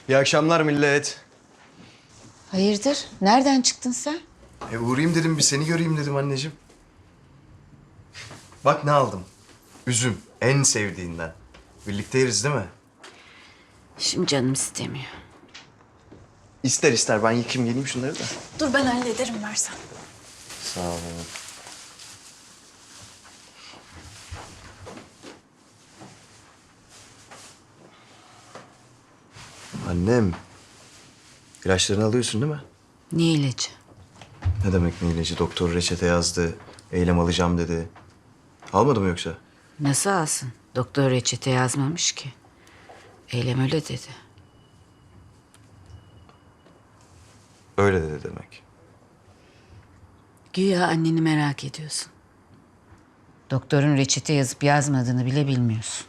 İyi akşamlar millet. Hayırdır? Nereden çıktın sen? Uğrayayım dedim, bir seni göreyim dedim anneciğim. Bak ne aldım. Üzüm, en sevdiğinden. Birlikte yeriz değil mi? Şimdi canım istemiyor. İster ister, ben yıkayayım geleyim şunları da. Dur ben hallederim versen. Sağ ol. Annem, ilaçlarını alıyorsun değil mi? Ne ilacı? Ne demek ne ilacı? Doktor reçete yazdı, eylem alacağım dedi. Almadı mı yoksa? Nasıl alsın? Doktor reçete yazmamış ki. Eylem öyle dedi. Öyle dedi demek. Güya anneni merak ediyorsun. Doktorun reçete yazıp yazmadığını bile bilmiyorsun.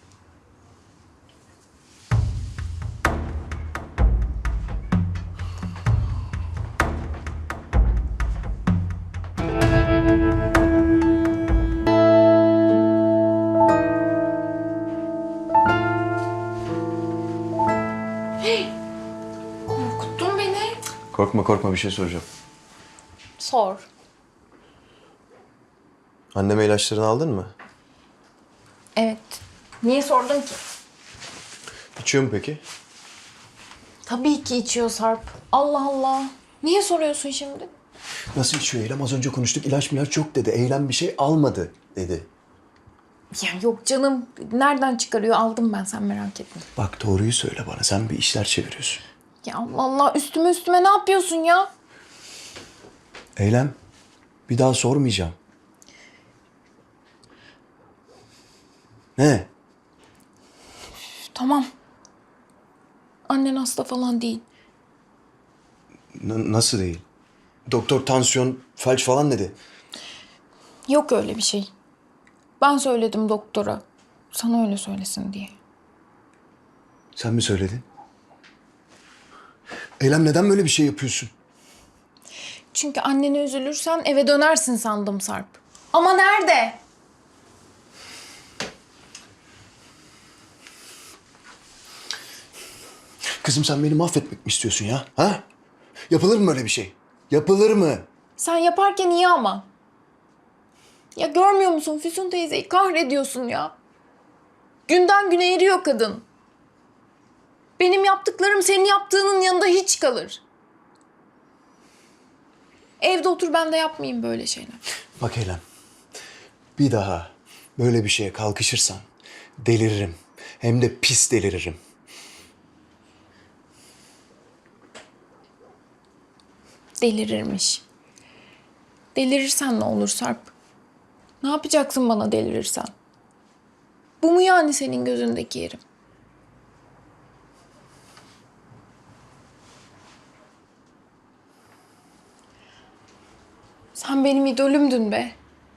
Korkuttun beni. Korkma korkma, bir şey soracağım. Sor. Anneme ilaçlarını aldın mı? Evet. Niye sordun ki? İçiyor mu peki? Tabii ki içiyor Sarp. Allah Allah. Niye soruyorsun şimdi? Nasıl içiyor Eylem? Az önce konuştuk, ilaç milaç yok dedi. Eylem bir şey almadı dedi. Ya yok canım. Nereden çıkarıyor? Aldım ben, sen merak etme. Bak doğruyu söyle bana, sen bir işler çeviriyorsun. Ya Allah Allah, üstüme ne yapıyorsun ya? Eylem, bir daha sormayacağım. Ne? Tamam. Annen hasta falan değil. Nasıl değil? Doktor tansiyon, felç falan dedi. Yok öyle bir şey. Ben söyledim doktora. Sana öyle söylesin diye. Sen mi söyledin? Eylem, neden böyle bir şey yapıyorsun? Çünkü annene üzülürsen eve dönersin sandım Sarp. Ama nerede? Kızım, sen beni mahvetmek mi istiyorsun ya? Ha? Yapılır mı böyle bir şey? Yapılır mı? Sen yaparken iyi ama. Ya görmüyor musun, Füsun teyzeyi kahrediyorsun ya. Günden güne eriyor kadın. Benim yaptıklarım senin yaptığının yanında hiç kalır. Evde otur, ben de yapmayayım böyle şeyler. Bak Eylem, bir daha böyle bir şeye kalkışırsan deliririm. Hem de pis deliririm. Delirirmiş. Delirirsen ne olur Sarp? Ne yapacaksın bana delirirsen? Bu mu yani senin gözündeki yerim? Sen benim idolümdün be.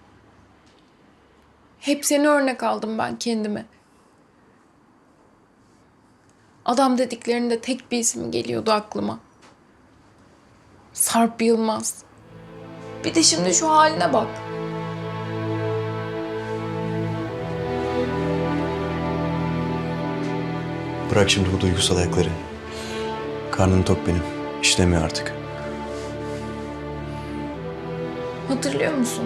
Hep seni örnek aldım ben kendime. Adam dediklerinde tek bir isim geliyordu aklıma. Sarp Yılmaz. Bir de şimdi şu haline bak. Bırak şimdi bu duygusal ayakları. Karnım tok benim. İşlemiyor artık. Hatırlıyor musun?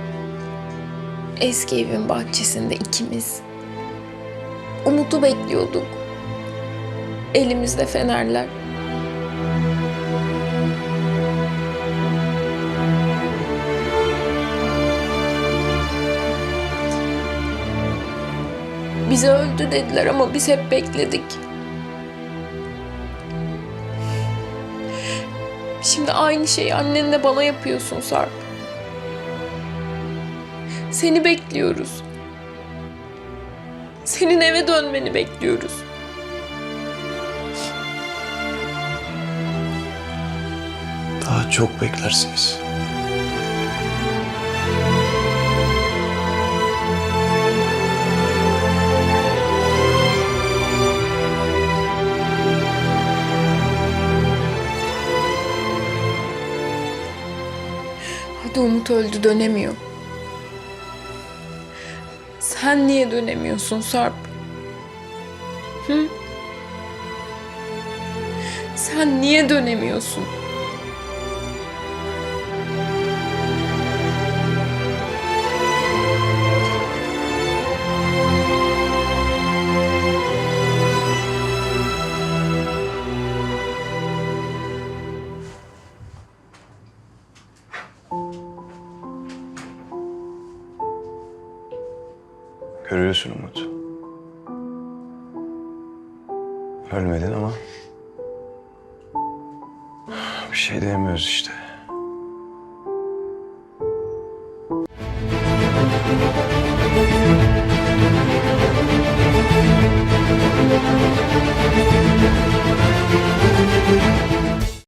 Eski evin bahçesinde ikimiz. Umut'u bekliyorduk. Elimizde fenerler. Bize öldü dediler ama biz hep bekledik. Şimdi aynı şeyi annenle bana yapıyorsun Sarp. Seni bekliyoruz. Senin eve dönmeni bekliyoruz. Daha çok beklersiniz. Hadi Umut öldü, dönemiyor. Sen niye dönemiyorsun Sarp? Hı? Sen niye dönemiyorsun? Görüyorsun Umut. Ölmedin ama bir şey diyemiyoruz işte.